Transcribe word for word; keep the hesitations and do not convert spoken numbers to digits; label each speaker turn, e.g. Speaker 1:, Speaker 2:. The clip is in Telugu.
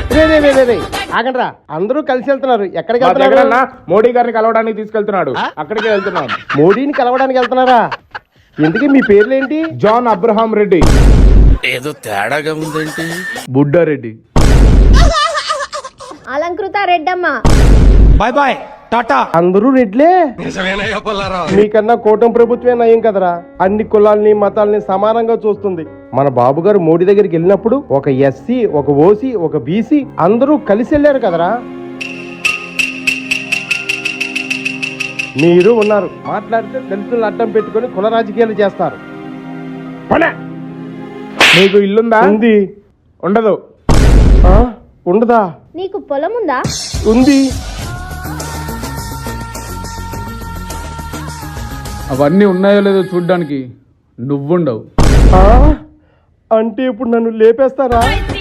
Speaker 1: రే రే రే రే రే ఆగండ్రా, అందరూ కలిసి వెళ్తున్నారు. ఎక్కడికి
Speaker 2: మా
Speaker 1: వెళ్తున్నారు?
Speaker 2: జగనన్న మోడీ గారిని కలవడానికి తీసుకెళ్తున్నాడు. అక్కడికి వెళ్తున్నాం.
Speaker 1: మోడీని కలవడానికి వెళ్తున్నారా? ఎందుకు మీ పేర్లేంటి?
Speaker 2: John Abraham Reddy.
Speaker 3: ఏదో తేడాగా ఉందేంటి?
Speaker 2: Buddareddy.
Speaker 4: Alankrita Reddamma.
Speaker 5: Bye bye tata.
Speaker 1: అందరూ రెడ్లే. మీకన్నా కూటమి ప్రభుత్వమే నయం కదరా. అన్ని కులాల్ని మతాల్ని సమానంగా చూస్తుంది. మన బాబు గారు మోడీ దగ్గరికి వెళ్ళినప్పుడు ఒక ఎస్సీ, ఒక ఓసీ, ఒక బీసీ అందరూ కలిసి వెళ్ళారు కదరా. మీరు ఉన్నారు, మాట్లాడితే దళితులను అడ్డం పెట్టుకొని కుల రాజకీయాలు చేస్తారు.
Speaker 2: నీకు ఇల్లుందా?
Speaker 1: ఉంది.
Speaker 2: ఉండదు.
Speaker 1: ఆ? ఉండదా?
Speaker 4: నీకు పొలం ఉందా?
Speaker 1: ఉంది.
Speaker 6: అవన్నీ ఉన్నాయో లేదో చూడ్డానికి నువ్వుండవు.
Speaker 1: ఆ? అంటే ఇప్పుడు నన్ను లేపేస్తారా?